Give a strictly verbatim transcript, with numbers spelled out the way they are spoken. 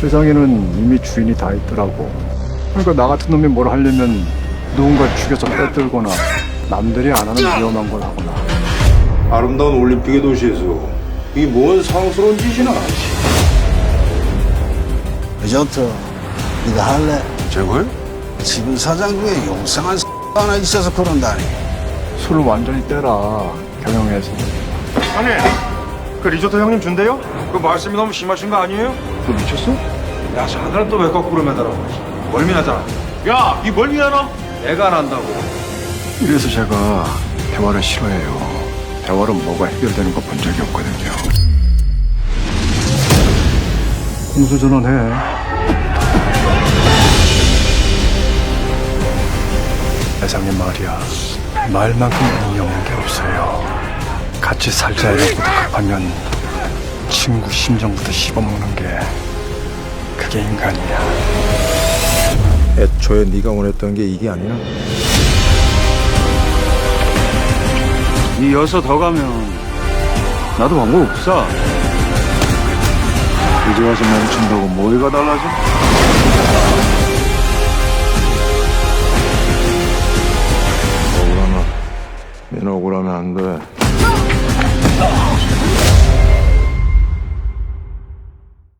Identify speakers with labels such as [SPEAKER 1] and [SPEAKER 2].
[SPEAKER 1] 세상에는 이미 주인이 다 있더라고. 그러니까 나 같은 놈이 뭘 하려면 누군가 죽여서 빼들거나 남들이 안 하는 위험한 걸 하거나.
[SPEAKER 2] 아름다운 올림픽의 도시에서 이 뭔 상스러운 짓이나.
[SPEAKER 3] 그저부터 네가 할래?
[SPEAKER 2] 제가요?
[SPEAKER 3] 지금 사장 중에 용상한 하나 있어서 그런다니.
[SPEAKER 1] 술을 완전히 떼라, 경영해서.
[SPEAKER 4] 아니, 그 리조트 형님 준대요? 그 말씀이 너무 심하신 거 아니에요?
[SPEAKER 1] 너 미쳤어?
[SPEAKER 4] 야, 자네는 또 왜 거꾸로 매달아? 멀미나잖아. 야, 이 멀미나나? 내가 난다고.
[SPEAKER 1] 이래서 제가 대화를 싫어해요. 대화로 뭐가 해결되는 거 본 적이 없거든요. 공수전환해. 회장님 말이야, 말만큼 의미 없는 게 없어요. 같이 살자 이러고 급하면 친구 심정부터 씹어먹는 게 그게 인간이야.
[SPEAKER 2] 애초에 네가 원했던 게 이게 아니야.
[SPEAKER 1] 이 여서 더 가면 나도 방법 없어. 이제 와서 멈춘다고 뭐가 달라져?
[SPEAKER 2] 억울하면 얘는 억울하면 안 돼.